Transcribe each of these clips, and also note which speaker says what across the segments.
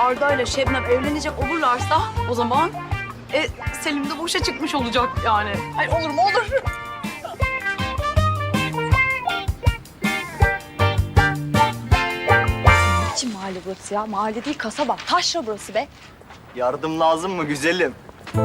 Speaker 1: Arda ile Şebnem evlenecek olurlarsa o zaman Selim de boşa çıkmış olacak yani. Hayır olur mu olur.
Speaker 2: Kim mahalle burası ya? Mahalle değil kasaba. Taşra burası be.
Speaker 3: Yardım lazım mı güzelim?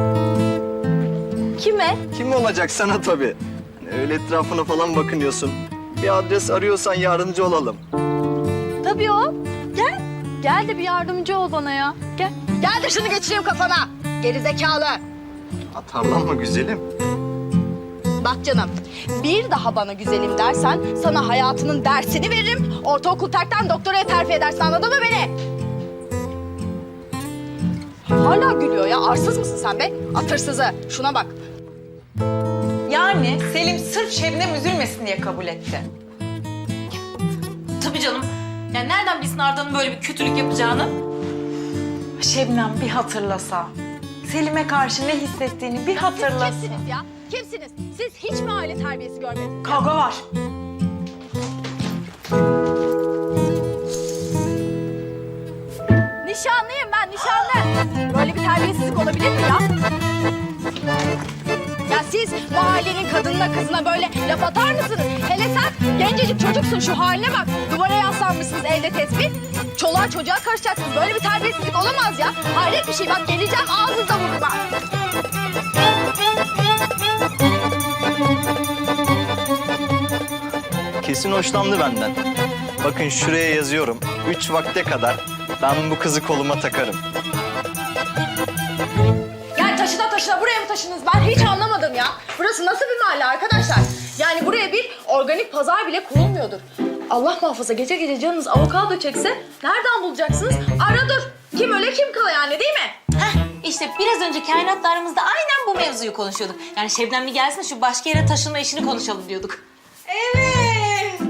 Speaker 2: Kime?
Speaker 3: Kim olacak sana tabii. Hani öyle etrafına falan bakınıyorsun. Bir adres arıyorsan yardımcı olalım.
Speaker 2: Tabii o. Gel. Gel de bir yardımcı ol bana ya. Gel. Gel de şunu geçireyim kafana. Gerizekalı.
Speaker 3: Atarlanma güzelim.
Speaker 2: Bak canım, bir daha bana güzelim dersen sana hayatının dersini veririm. Ortaokul terkten doktoraya terfi edersin, anladın mı beni? Hala gülüyor ya. Arsız mısın sen be? Atırsızı. Şuna bak.
Speaker 4: Yani Selim sırf Şebnem üzülmesin diye kabul etti.
Speaker 5: Tabii canım. Yani nereden bilsin Arda'nın böyle bir kötülük yapacağını?
Speaker 4: Şebnem bir hatırlasa. Selim'e karşı ne hissettiğini bir hatırlasa.
Speaker 2: Siz kimsiniz ya? Kimsiniz? Siz hiç mi aile terbiyesi görmediniz?
Speaker 4: Kavga var.
Speaker 2: Nişanlıyım ben, nişanlı. Böyle bir terbiyesizlik olabilir mi ya? Ya siz mahallenin kadınına kızına böyle laf atar mısınız? Hele sen gencecik çocuksun, şu haline bak. Duvara yaslanmışsınız elde tespih. Çoluğa çocuğa karışacaksınız. Böyle bir terbiyesizlik olamaz ya. Hayret bir şey, bak geleceğim ağzınıza vururum ha.
Speaker 3: Kesin hoşlandı benden. Bakın şuraya yazıyorum. 3 vakte kadar ben bu kızı koluma takarım.
Speaker 2: Yani taşına buraya mı taşınız? Ben hiç anlamadım ya. Burası nasıl bir mahalle arkadaşlar? Yani buraya bir organik pazar bile kurulmuyordur. Allah muhafaza gece gece canınız avokado çekse nereden bulacaksınız? Ara dur. Kim öle kim kala yani, değil mi?
Speaker 5: Heh, işte biraz önce kainatla aramızda aynen bu mevzuyu konuşuyorduk. Yani Şebnem bir gelsin şu başka yere taşınma işini konuşalım diyorduk.
Speaker 4: Evet.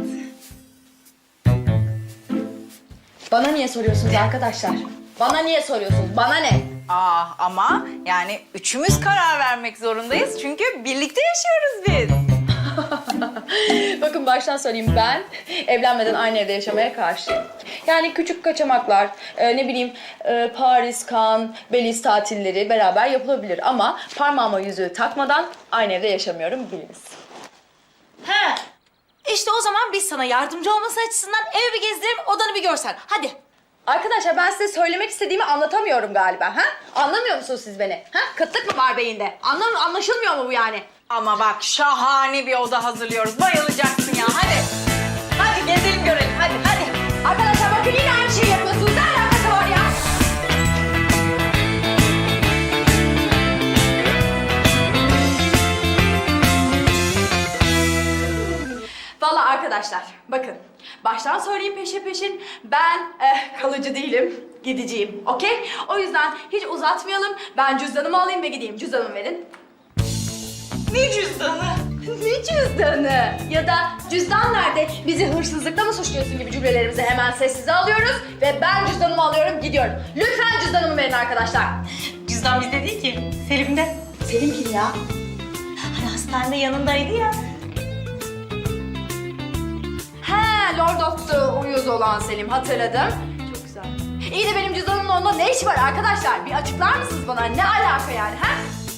Speaker 2: Bana niye soruyorsunuz arkadaşlar? Bana niye soruyorsunuz? Bana ne?
Speaker 4: Ama yani üçümüz karar vermek zorundayız çünkü birlikte yaşıyoruz biz.
Speaker 2: Bakın baştan söyleyeyim, ben evlenmeden aynı evde yaşamaya karşıyım. Yani küçük kaçamaklar, ne bileyim Paris, Cannes, Belize tatilleri beraber yapılabilir. Ama parmağıma yüzüğü takmadan aynı evde yaşamıyorum, biliniz.
Speaker 5: He. İşte o zaman biz sana yardımcı olması açısından evi bir gezdirelim, odanı bir görsen. Hadi.
Speaker 2: Arkadaşlar ben size söylemek istediğimi anlatamıyorum galiba. Ha? Anlamıyor musunuz siz beni? Ha? Kıtlık mı var beyinde? Anlaşılmıyor mu bu yani?
Speaker 4: Ama bak şahane bir oda hazırlıyoruz. Bayılacaksın ya, hadi. Hadi gezelim görelim, hadi.
Speaker 2: Arkadaşlar bakın yine aynı şeyi yapıyorsunuz. Ne alakası var ya? Vallahi arkadaşlar bakın. Baştan söyleyeyim peşin. Ben kalıcı değilim. Gideceğim. Okey? O yüzden hiç uzatmayalım. Ben cüzdanımı alayım ve gideyim. Cüzdanımı verin.
Speaker 4: Ne cüzdanı?
Speaker 2: Ne cüzdanı? Ya da cüzdan nerede? Bizi hırsızlıkla mı suçluyorsun gibi cümlelerimizi hemen sessize alıyoruz ve ben cüzdanımı alıyorum, gidiyorum. Lütfen cüzdanımı verin arkadaşlar.
Speaker 5: Cüzdan bizde değil ki, Selim'de.
Speaker 2: Selim kim ya?
Speaker 5: Hani hastanede yanındaydı ya.
Speaker 2: He, Lord of the Uyuz olan Selim, hatırladım. Çok güzel. İyi de benim cüzdanımın onda ne işi var arkadaşlar? Bir açıklar mısınız bana? Ne alaka yani, ha?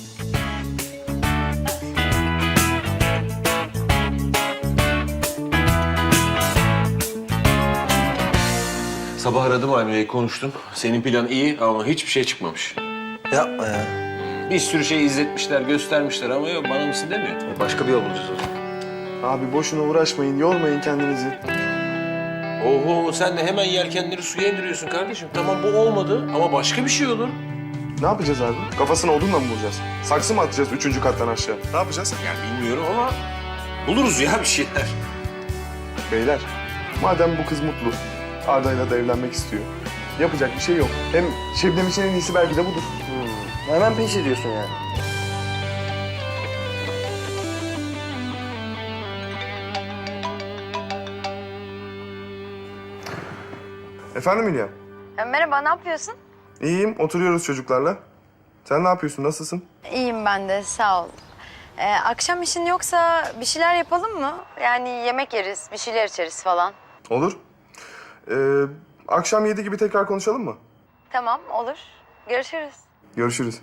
Speaker 6: Sabah aradım Aymine'yi, konuştum. Senin plan iyi ama hiçbir şey çıkmamış.
Speaker 3: Yapma ya.
Speaker 6: Bir sürü şey izletmişler, göstermişler ama yok, bana mısın demiyor.
Speaker 3: Başka bir yol bulacağız o zaman.
Speaker 7: Abi boşuna uğraşmayın, yormayın kendinizi.
Speaker 6: Oho, sen de hemen yelkenleri suya indiriyorsun kardeşim. Tamam bu olmadı ama başka bir şey olur.
Speaker 7: Ne yapacağız abi? Kafasına odunla mı vuracağız? Saksı mı atacağız 3. kattan aşağı? Ne yapacağız?
Speaker 6: Yani bilmiyorum ama buluruz ya bir şeyler.
Speaker 7: Beyler, madem bu kız mutlu, Arda'yla da evlenmek istiyor. Yapacak bir şey yok. Hem Şebnem için en iyisi belki de budur.
Speaker 3: Hemen peş ediyorsun yani.
Speaker 7: Efendim Hülya?
Speaker 8: Merhaba, ne yapıyorsun?
Speaker 7: İyiyim, oturuyoruz çocuklarla. Sen ne yapıyorsun, nasılsın?
Speaker 8: İyiyim ben de, sağ ol. Akşam işin yoksa bir şeyler yapalım mı? Yani yemek yeriz, bir şeyler içeriz falan.
Speaker 7: Olur. Akşam 7 gibi tekrar konuşalım mı?
Speaker 8: Tamam, olur. Görüşürüz.
Speaker 7: Görüşürüz.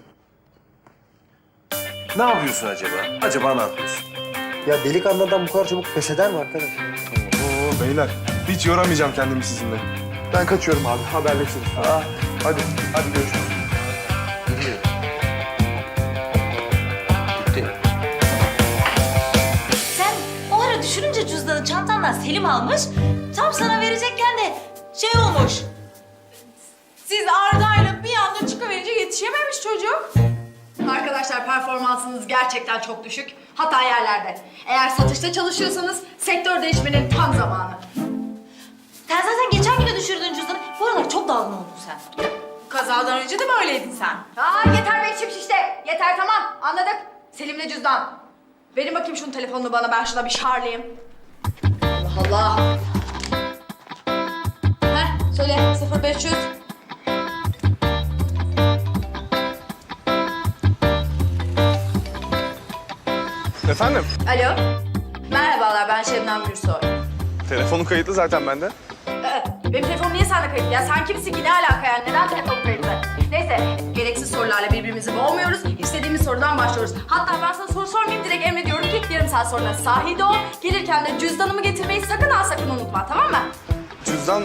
Speaker 6: Ne yapıyorsun acaba? Acaba ne yapıyorsun?
Speaker 9: Ya delikanlıdan bu kadar çabuk pes eder mi arkadaş?
Speaker 7: Oo beyler, hiç yoramayacağım kendimi sizinle. Ben kaçıyorum abi, haberleşiriz. Hadi görüşürüz.
Speaker 6: Gitti.
Speaker 5: Sen o ara düşürünce cüzdanı çantandan Selim almış. Tam sana verecekken de şey olmuş.
Speaker 2: Siz Arda'yla bir anda çıkıverince yetişememiş çocuk. Arkadaşlar performansınız gerçekten çok düşük. Hatta yerlerde. Eğer satışta çalışıyorsanız sektör değişmenin tam zamanı.
Speaker 5: Sen zaten geçen gün de düşürdün cüzdanı. Bu aralar çok dalgın oldun sen.
Speaker 2: Kazadan önce de mi öyleydin sen? Yeter be içim şişte. Yeter tamam anladık. Selim'le cüzdan. Verin bakayım şunun telefonunu bana, ben şuna bir şarlayayım. Allah Allah. Heh söyle 0500.
Speaker 7: Efendim?
Speaker 2: Alo. Merhabalar, ben Şebnem Gürsoy.
Speaker 7: Telefonun kayıtlı zaten bende.
Speaker 2: Benim telefonum niye sende kayıtlı? Ya sen kimsin ki? Ne alaka yani? Neden telefonum kayıtlı? Neyse, gereksiz sorularla birbirimizi boğmuyoruz. İstediğimiz sorudan başlıyoruz. Hatta ben sana soru sormayayım, direkt emrediyorum ki yarım saat sonra sahilde ol. Gelirken de cüzdanımı getirmeyi sakın ha sakın unutma, tamam mı?
Speaker 7: Cüzdan...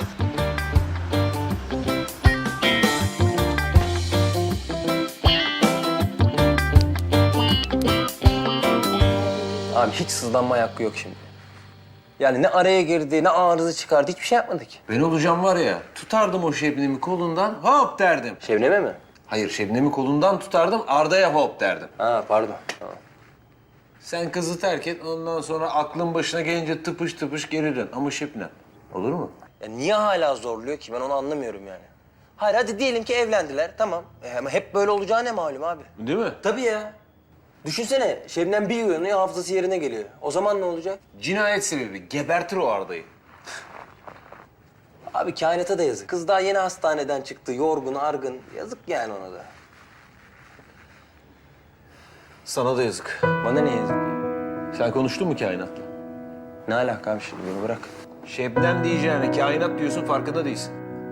Speaker 9: Abi hiç sızlanma hakkı yok şimdi. Yani ne araya girdi, ne arıza çıkardı, hiçbir şey yapmadık.
Speaker 6: Ben olacağım var ya, tutardım o Şebnem'i kolundan, hop derdim.
Speaker 9: Şebnem'e mi?
Speaker 6: Hayır, Şebnem'i kolundan tutardım, Arda'ya hop derdim.
Speaker 9: Ha pardon. Tamam.
Speaker 6: Sen kızı terk et, ondan sonra aklın başına gelince tıpış tıpış geri dön. Ama Şebnem, olur mu?
Speaker 9: Ya niye hala zorluyor ki? Ben onu anlamıyorum yani. Hayır hadi diyelim ki evlendiler, tamam. Ama hep böyle olacağı ne malum abi?
Speaker 6: Değil mi?
Speaker 9: Tabii ya. Düşünsene, Şebnem bir uyanıyor, hafızası yerine geliyor. O zaman ne olacak?
Speaker 6: Cinayet sebebi, gebertir o Arda'yı.
Speaker 9: Abi kainata da yazık. Kız daha yeni hastaneden çıktı, yorgun, argın. Yazık yani ona da.
Speaker 6: Sana da yazık.
Speaker 9: Bana ne yazık?
Speaker 6: Sen konuştun mu kainatla?
Speaker 9: Ne alaka abi şimdi, beni bırak.
Speaker 6: Şebnem diyeceğine kainat diyorsun, farkında değilsin.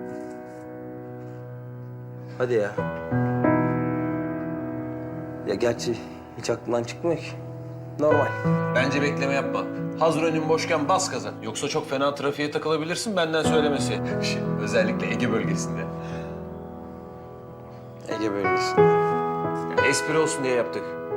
Speaker 9: Hadi ya. Ya gerçi hiç aklımdan çıkmıyor ki. Normal.
Speaker 6: Bence bekleme yapma. Hazır önün boşken bas gaza. Yoksa çok fena trafiğe takılabilirsin benden söylemesi. Özellikle Ege bölgesinde.
Speaker 9: Ege bölgesi.
Speaker 6: Espri olsun diye yaptık.